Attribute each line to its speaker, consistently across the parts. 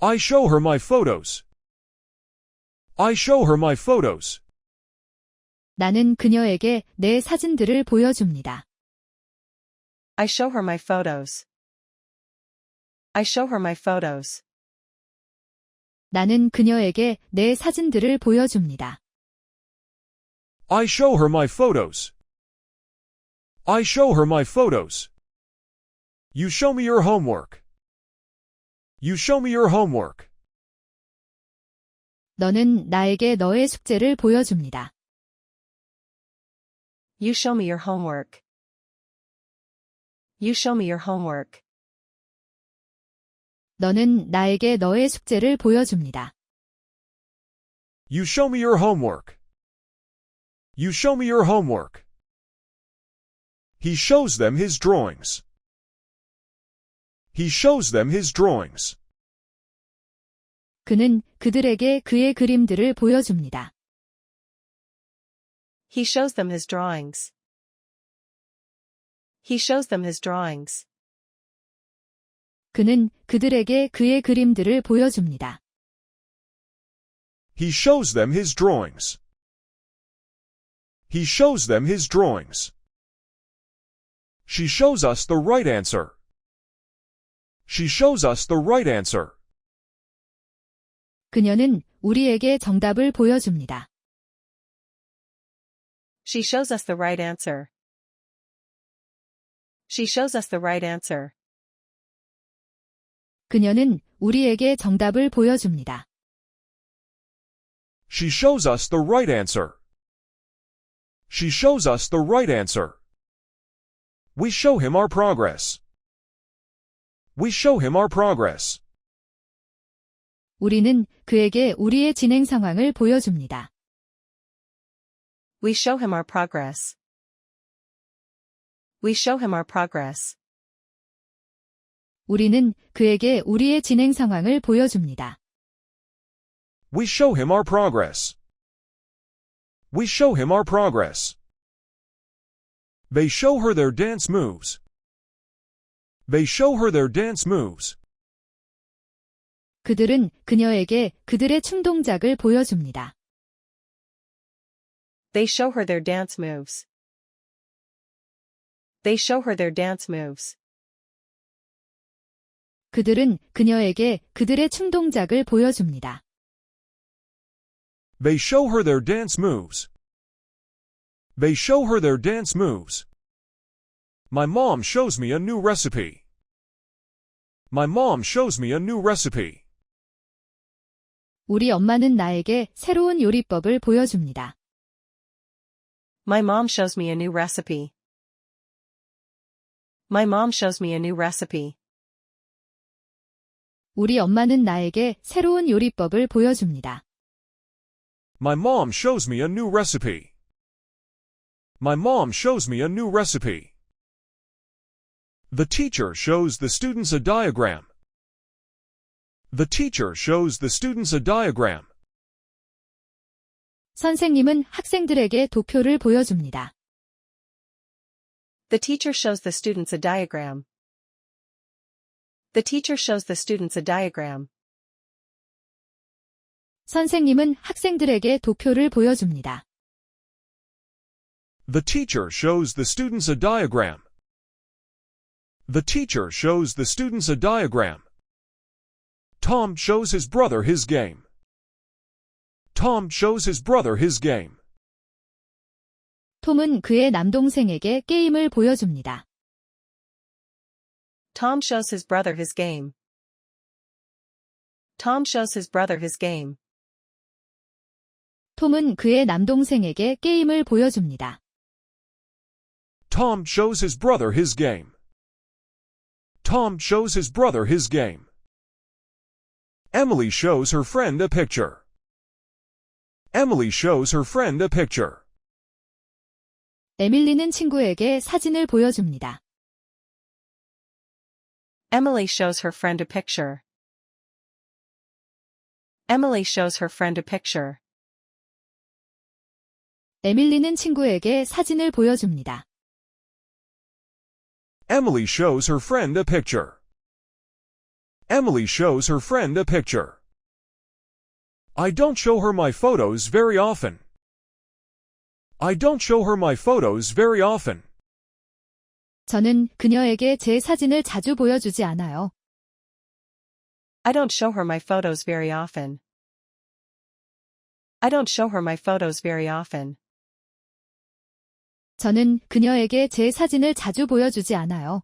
Speaker 1: I show her my photos. I show her my photos.
Speaker 2: 나는 그녀에게 내 사진들을 보여줍니다.
Speaker 3: I show her my photos. I show her my photos.
Speaker 2: 나는 그녀에게 내 사진들을 보여줍니다.
Speaker 1: I show her my photos. I show her my photos. You show me your homework. You show me your homework.
Speaker 2: 너는 나에게 너의 숙제를 보여줍니다.
Speaker 3: You show me your homework. You show me your homework.
Speaker 2: 너는 나에게 너의 숙제를 보여줍니다.
Speaker 1: You show me your homework. You show me your homework. He shows them his drawings. He shows them his drawings.
Speaker 2: 그는 그들에게 그의 그림들을 보여줍니다.
Speaker 3: He shows them his drawings. He shows them his drawings.
Speaker 2: 그는 그들에게 그의 그림들을 보여줍니다.
Speaker 1: He shows them his drawings. He shows them his drawings. She shows us the right answer. She shows us the right answer.
Speaker 2: 그녀는 우리에게 정답을 보여줍니다.
Speaker 3: She shows us the right answer. She shows us the right answer.
Speaker 2: 그녀는 우리에게 정답을 보여줍니다.
Speaker 1: She shows us the right answer. She shows us the right answer. We show him our progress. We show him our progress.
Speaker 2: 우리는 그에게 우리의 진행 상황을 보여줍니다.
Speaker 3: We show him our progress. We show him our progress.
Speaker 2: 우리는 그에게 우리의 진행 상황을 보여줍니다.
Speaker 1: We show him our progress. We show him our progress. They show her their dance moves. They show her their dance moves.
Speaker 2: 그들은 그녀에게 그들의 춤동작을 보여줍니다.
Speaker 3: They show her their dance moves. They show her their dance moves.
Speaker 2: 그들은 그녀에게 그들의 춤동작을 보여줍니다.
Speaker 1: They show her their dance moves. They show her their dance moves. My mom shows me a new recipe. My mom shows me a new recipe.
Speaker 2: 우리 엄마는 나에게 새로운 요리법을 보여줍니다.
Speaker 3: My mom shows me a new recipe. My mom shows me a new recipe.
Speaker 2: 우리 엄마는 나에게 새로운 요리법을 보여줍니다.
Speaker 1: My mom shows me a new recipe. My mom shows me a new recipe. The teacher shows the students a diagram. The teacher shows the students a diagram.
Speaker 2: 선생님은 학생들에게 도표를 보여줍니다.
Speaker 3: The teacher shows the students a diagram. The teacher shows the students a diagram.
Speaker 2: 선생님은 학생들에게 도표를 보여줍니다.
Speaker 1: The teacher shows the students a diagram. The teacher shows the students a diagram. Tom shows his brother his game. Tom shows his brother his game.
Speaker 2: 톰은 그의 남동생에게 게임을 보여줍니다.
Speaker 3: Tom shows his brother his game. Tom shows his brother his game.
Speaker 2: 톰은 그의 남동생에게 게임을 보여줍니다.
Speaker 1: Tom shows his brother his game. Tom shows his brother his game. Emily shows her friend a picture. Emily shows her friend a picture.
Speaker 2: 에밀리는 친구에게 사진을 보여줍니다.
Speaker 3: Emily shows her friend a picture. Emily shows her friend a picture.
Speaker 2: 에밀리는 친구에게 사진을 보여줍니다.
Speaker 1: Emily shows her friend a picture. Emily shows her friend a picture. I don't show her my photos very often. I don't show her my photos very often.
Speaker 2: 저는 그녀에게 제 사진을 자주 보여주지 않아요.
Speaker 3: I don't show her my photos very often. I don't show her my photos very often.
Speaker 2: 저는 그녀에게 제 사진을 자주 보여주지 않아요.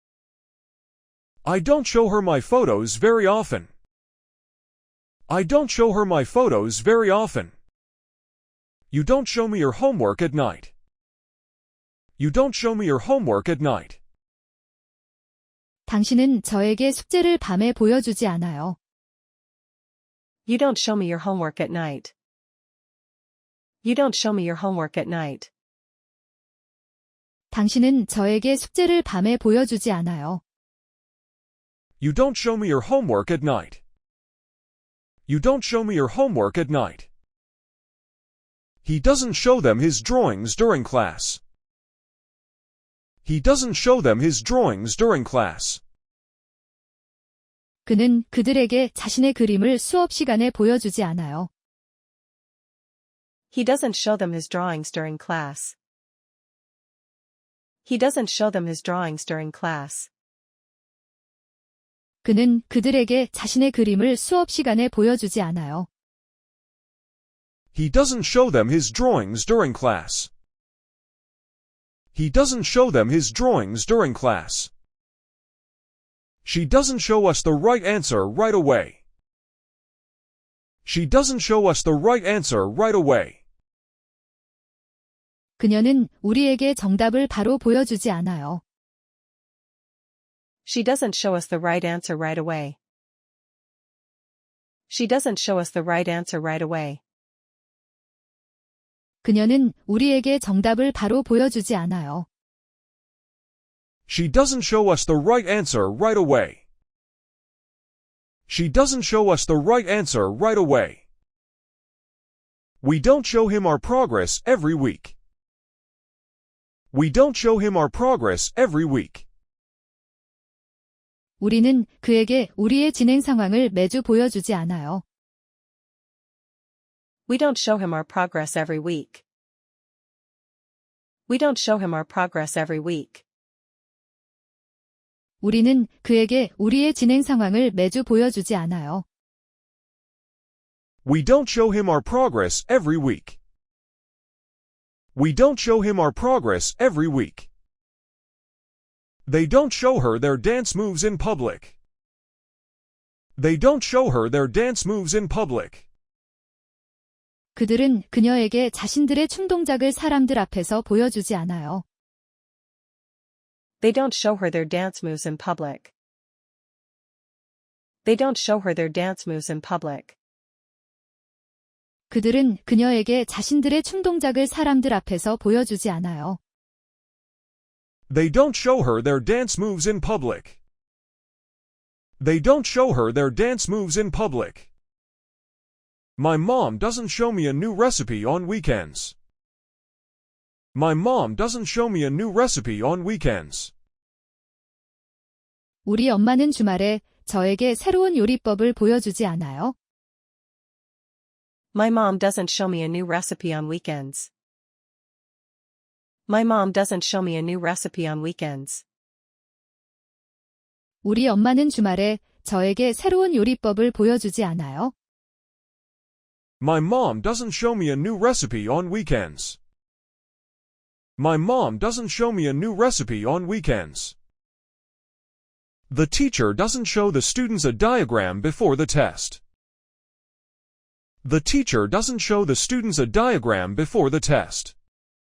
Speaker 1: I don't show her my photos very often. I don't show her my photos very often. You don't show me your homework at night. You don't show me your homework at night.
Speaker 2: 당신은 저에게 숙제를 밤에 보여주지 않아요.
Speaker 3: You don't show me your homework at night. You don't show me your homework at night.
Speaker 2: 당신은 저에게 숙제를 밤에 보여주지 않아요.
Speaker 1: You don't show me your homework at night. You don't show me your homework at night. He doesn't show them his drawings during class. He doesn't show them his drawings during class.
Speaker 2: 그는 그들에게 자신의 그림을 수업 시간에 보여주지 않아요.
Speaker 3: He doesn't show them his drawings during class. He doesn't show them his drawings during class.
Speaker 2: 그는 그들에게 자신의 그림을 수업 시간에 보여주지 않아요.
Speaker 1: He doesn't show them his drawings during class. He doesn't show them his drawings during class. She doesn't show us the right answer right away. She doesn't show us the right answer right away.
Speaker 2: 그녀는 우리에게 정답을 바로 보여주지 않아요.
Speaker 3: She doesn't show us the right answer right away. She doesn't show us the right answer right away.
Speaker 2: 그녀는 우리에게 정답을 바로 보여주지 않아요.
Speaker 1: She doesn't show us the right answer right away. She doesn't show us the right answer right away. We don't show him our progress every week. We don't show him our progress every week.
Speaker 2: 우리는 그에게 우리의 진행 상황을 매주 보여주지 않아요.
Speaker 3: We don't show him our progress every week. We don't show him our progress every week.
Speaker 2: 우리는 그에게 우리의 진행 상황을 매주 보여주지 않아요.
Speaker 1: We don't show him our progress every week. We don't show him our progress every week. They don't show her their dance moves in public. They don't show her their dance moves in public.
Speaker 2: 그들은 그녀에게 자신들의 춤동작을 사람들 앞에서 보여주지 않아요.
Speaker 3: They don't show her their dance moves in public. They don't show her their dance moves in public.
Speaker 2: 그들은 그녀에게 자신들의 춤동작을 사람들 앞에서 보여주지 않아요.
Speaker 1: They don't show her their dance moves in public. They don't show her their dance moves in public. My mom doesn't show me a new recipe on weekends. My mom doesn't show me a new recipe on weekends.
Speaker 2: 우리 엄마는 주말에 저에게 새로운 요리법을 보여주지 않아요.
Speaker 3: My mom doesn't show me a new recipe on weekends. My mom doesn't show me a new recipe on weekends.
Speaker 2: 우리 엄마는 주말에 저에게 새로운 요리법을 보여주지 않아요.
Speaker 1: My mom doesn't show me a new recipe on weekends. My mom doesn't show me a new recipe on weekends. The teacher doesn't show the students a diagram before the test. The teacher doesn't show the students a diagram before the test.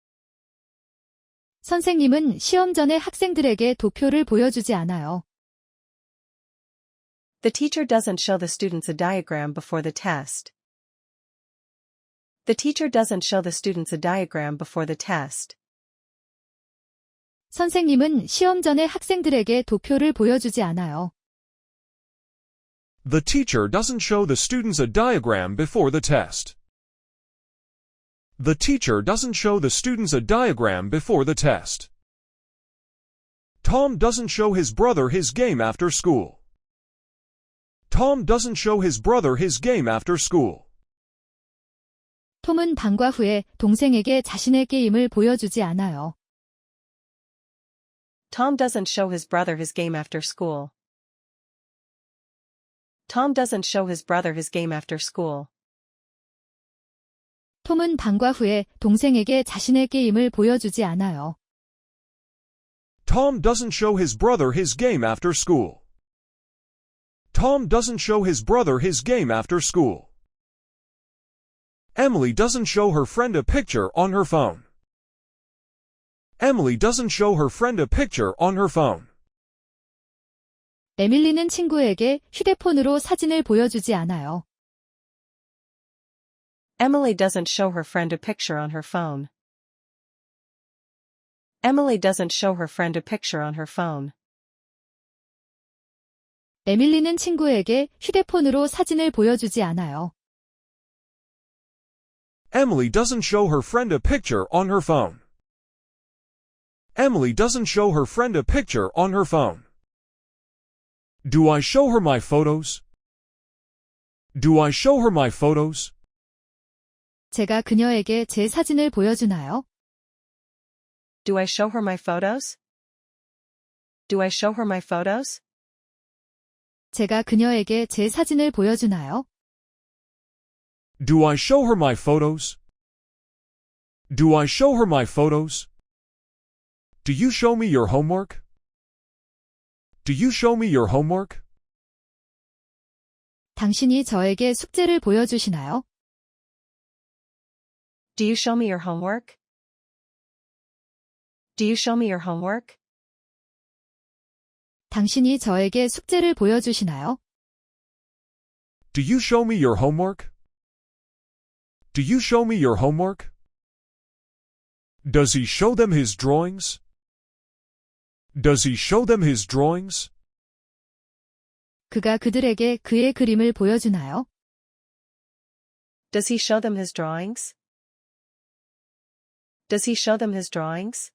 Speaker 2: 선생님은 시험 전에 학생들에게 도표를 보여주지 않아요.
Speaker 3: The teacher doesn't show the students a diagram before the test. The teacher doesn't show the students a diagram before the test.
Speaker 2: 선생님은 시험 전에 학생들에게 도표를 보여주지 않아요.
Speaker 1: The teacher doesn't show the students a diagram before the test. The teacher doesn't show the students a diagram before the test. Tom doesn't show his brother his game after school. Tom doesn't show his brother his game after school.
Speaker 2: 톰은 방과 후에 동생에게 자신의 게임을 보여주지 않아요.
Speaker 3: Tom doesn't show his brother his game after school. Tom doesn't show his brother his game after school.
Speaker 2: 톰은 방과 후에 동생에게 자신의 게임을 보여주지 않아요.
Speaker 1: Tom doesn't show his brother his game after school. Tom doesn't show his brother his game after school. Emily doesn't show her friend a picture on her phone. Emily doesn't show her friend a picture on her phone.
Speaker 2: 에밀리는 친구에게 휴대폰으로 사진을 보여주지 않아요.
Speaker 3: Emily doesn't show her friend a picture on her phone. Emily doesn't show her friend a picture on her phone.
Speaker 2: 에밀리는 친구에게 휴대폰으로 사진을 보여주지 않아요.
Speaker 1: Emily doesn't show her friend a picture on her phone. Emily doesn't show her friend a picture on her phone. Do I show her my photos? Do I show her my photos?
Speaker 2: 제가 그녀에게 제 사진을 보여주나요?
Speaker 3: Do I show her my photos? Do I show her my photos?
Speaker 2: 제가 그녀에게 제 사진을 보여주나요?
Speaker 1: Do I show her my photos? Do I show her my photos? Do you show me your homework? Do you show me your homework?
Speaker 2: 당신이 저에게 숙제를 보여주시나요?
Speaker 3: Do you show me your homework? Do you show me your homework?
Speaker 2: 당신이 저에게 숙제를 보여주시나요?
Speaker 1: Do you show me your homework? Do you show me your homework? Does he show them his drawings? Does he show them his drawings?
Speaker 2: 그가 그들에게 그의 그림을 보여주나요?
Speaker 3: Does he show them his drawings? Does he show them his drawings?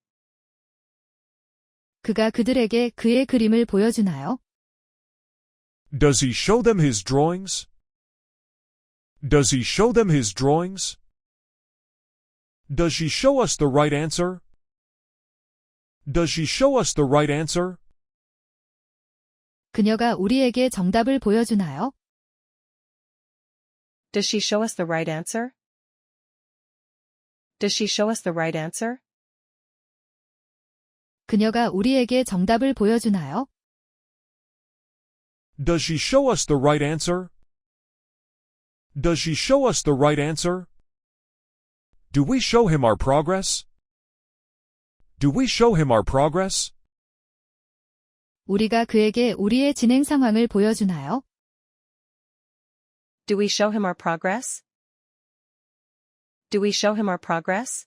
Speaker 2: 그가 그들에게 그의 그림을 보여주나요?
Speaker 1: Does he show them his drawings? Does he show them his drawings? Does she show us the right answer? Does she show us the right answer?
Speaker 2: 그녀가 우리에게 정답을 보여주나요?
Speaker 3: Does she show us the right answer? Does she show us the right answer?
Speaker 2: 그녀가 우리에게 정답을 보여주나요?
Speaker 1: Does she show us the right answer? Does she show us the right answer? Do we show him our progress? Do we show him our progress?
Speaker 2: 우리가 그에게 우리의 진행 상황을 보여주나요?
Speaker 3: Do we show him our progress? Do we show him our progress?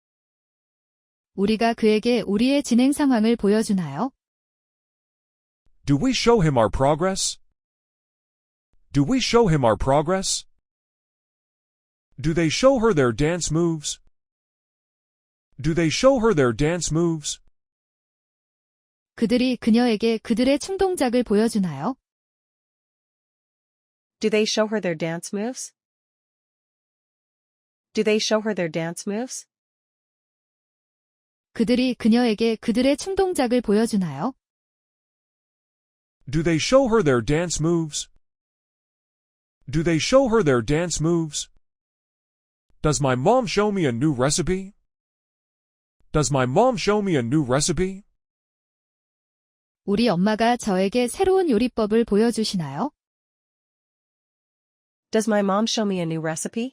Speaker 2: 우리가 그에게 우리의 진행 상황을 보여주나요?
Speaker 1: Do we show him our progress? Do we show him our progress? Do they show her their dance moves? Do they show her their dance moves?
Speaker 2: 그들이 그녀에게 그들의 충동작을 보여주나요?
Speaker 3: Do they show her their dance moves? Do they show her their dance moves?
Speaker 2: 그들이 그녀에게 그들의 충동작을 보여주나요?
Speaker 1: Do they show her their dance moves? Do they show her their dance moves? Does my mom show me a new recipe? Does my mom show me a new recipe?
Speaker 2: 우리 엄마가 저에게 새로운 요리법을 보여주시나요?
Speaker 3: Does my mom show me a new recipe?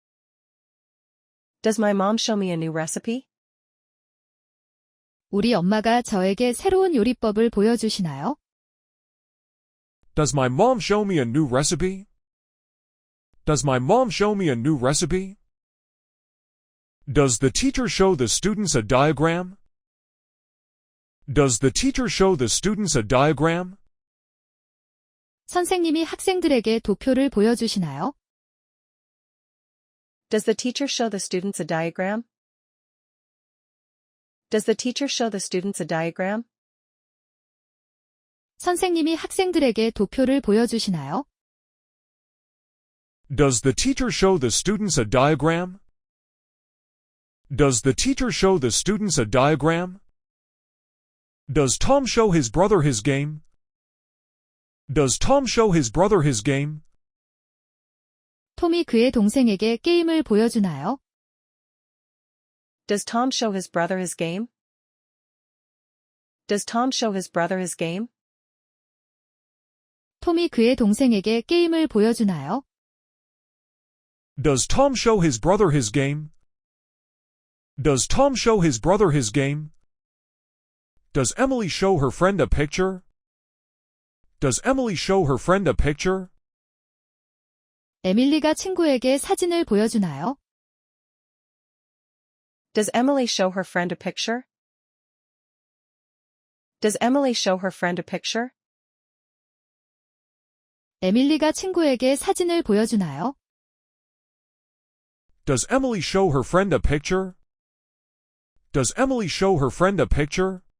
Speaker 3: Does my mom show me a new recipe?
Speaker 2: 우리 엄마가 저에게 새로운 요리법을 보여주시나요?
Speaker 1: Does my mom show me a new recipe? Does my mom show me a new recipe? Does the teacher show the students a diagram? Does the teacher show the students a diagram?
Speaker 2: 선생님이 학생들에게 도표를 보여주시나요?
Speaker 3: Does the teacher show the students a diagram? Does the teacher show the students a diagram?
Speaker 2: 선생님이 학생들에게 도표를 보여주시나요?
Speaker 1: Does the teacher show the students a diagram? Does the teacher show the students a diagram? Does Tom show his brother his game? Does Tom show his brother his game?
Speaker 2: 톰이 그의 동생에게 게임을 보여주나요?
Speaker 3: Does Tom show his brother his game? Does Tom show his brother his game?
Speaker 2: 톰이 그의 동생에게 게임을 보여주나요?
Speaker 1: Does Tom show his brother his game? Does Tom show his brother his game? Does Emily show her friend a picture? Does Emily show her friend a picture?
Speaker 2: 에밀리가 친구에게 사진을 보여주나요?
Speaker 3: Does Emily show her friend a picture? Does Emily show her friend a picture?
Speaker 2: 에밀리가 친구에게 사진을 보여주나요?
Speaker 1: Does Emily show her friend a picture? Does Emily show her friend a picture?